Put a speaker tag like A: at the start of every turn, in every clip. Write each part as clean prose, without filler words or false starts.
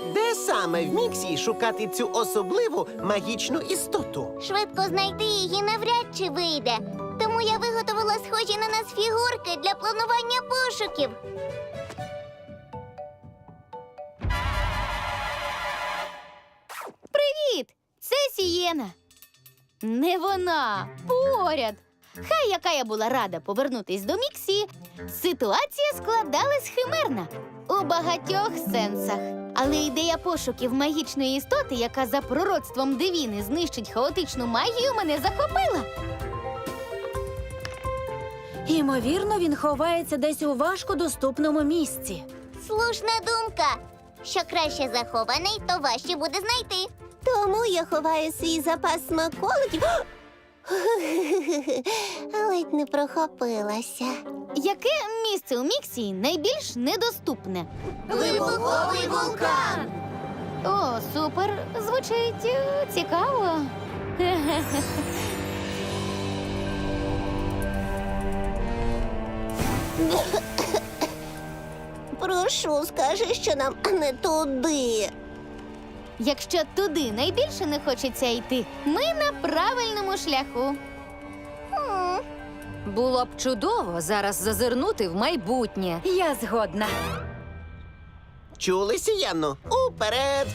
A: Де саме в Міксі шукати цю особливу магічну істоту?
B: Швидко знайти її навряд чи вийде. Тому я виготовила схожі на нас фігурки для планування пошуків.
C: Привіт! Це Сієна. Не вона, поряд. Хай яка я була рада повернутись до Міксі, ситуація складалась химерна у багатьох сенсах. Але ідея пошуків магічної істоти, яка за пророцтвом Девіни знищить хаотичну магію, мене захопила.
D: Ймовірно, він ховається десь у важкодоступному місці.
B: Слушна думка. Що краще захований, то важче буде знайти. Тому я ховаю свій запас смаколиків. Ледь не прохопилася.
C: Яке місце у Міксі найбільш недоступне?
B: Вибуховий вулкан!
C: О, супер! Звучить цікаво.
B: Прошу, скажи, що нам не туди.
C: Якщо туди найбільше не хочеться йти, ми на правильному шляху.
E: Було б чудово зараз зазирнути в майбутнє.
D: Я згодна.
A: Чули, Сієнно? Уперед!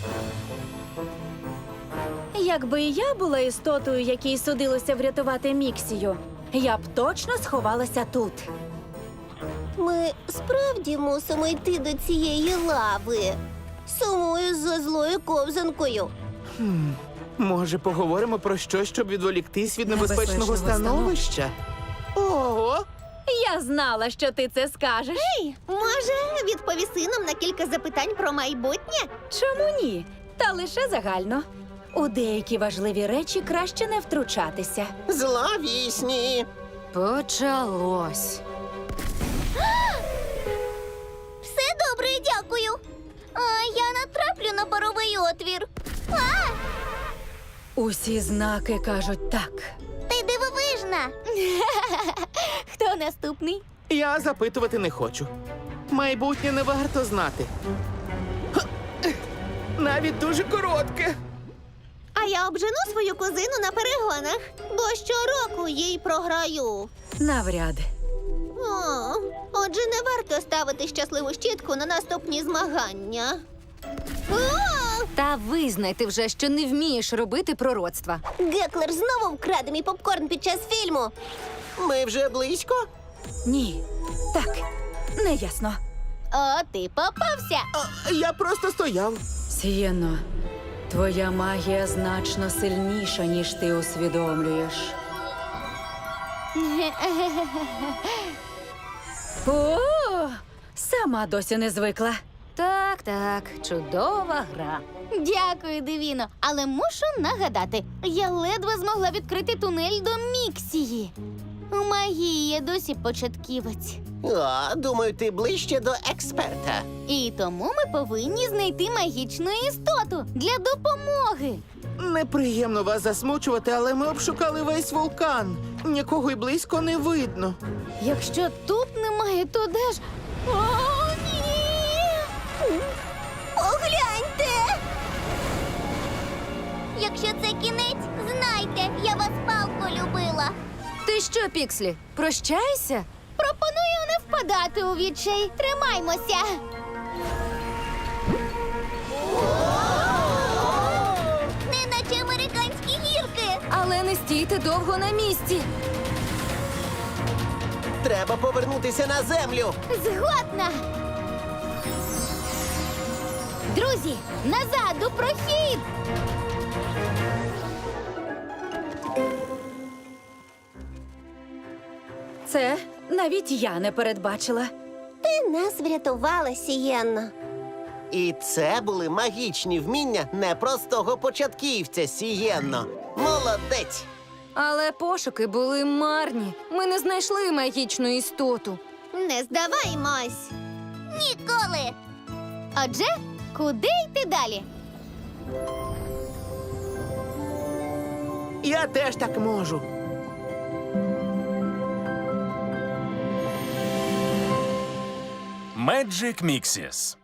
D: Якби і я була істотою, якій судилося врятувати Міксію, я б точно сховалася тут.
B: Ми справді мусимо йти до цієї лави. Сумую за злою ковзанкою.
F: Може, поговоримо про щось, щоб відволіктись від
D: Небезпечного
F: небезпечного становища? Ого!
D: Я знала, що ти це скажеш.
C: Може, відповіси нам на кілька запитань про майбутнє?
D: Чому ні? Та лише загально. У деякі важливі речі краще не втручатися.
A: Зловісні!
E: Почалось.
B: Все добре, дякую. А я натраплю на паровий отвір.
D: Усі знаки кажуть так.
B: Ти дивовижна.
C: Хто наступний?
F: Я запитувати не хочу. Майбутнє не варто знати. Навіть дуже коротке.
B: А я обжену свою кузину на перегонах, бо щороку їй програю.
D: Навряд.
B: О, отже, не варто ставити щасливу щітку на наступні змагання.
E: Та визнайте вже, що не вмієш робити пророцтва.
B: Геклер знову вкраде мій попкорн під час фільму.
A: Ми вже близько?
D: Ні. Так, неясно.
C: О, ти попався.
F: Я просто стояв.
D: Сієно, твоя магія значно сильніша, ніж ти усвідомлюєш. О, сама досі не звикла.
E: Так, чудова гра.
C: Дякую, Девіно. Але мушу нагадати, я ледве змогла відкрити тунель до Міксії. У магії я досі початківець.
A: О, думаю, ти ближче до експерта.
C: І тому ми повинні знайти магічну істоту для допомоги.
F: Неприємно вас засмучувати, але ми обшукали весь вулкан. Нікого й близько не видно.
C: Якщо тут немає, то де ж? О, ні!
B: Погляньте! Якщо це кінець, знайте, я вас палко любила.
E: Ти що, Пікслі, прощайся?
C: Пропоную не впадати у відчай. Тримаймося!
B: Неначе американські гірки.
E: Але не стійте довго на місці.
A: Треба повернутися на землю.
C: Згодна! Друзі, назад у прохід!
D: Це навіть я не передбачила.
B: Ти нас врятувала, Сієнно.
A: І це були магічні вміння непростого початківця, Сієнно. Молодець!
E: Але пошуки були марні. Ми не знайшли магічну істоту.
C: Не здаваймось!
B: Ніколи!
C: Отже, куди йти далі?
F: Я теж так можу.
G: Magic Mixes.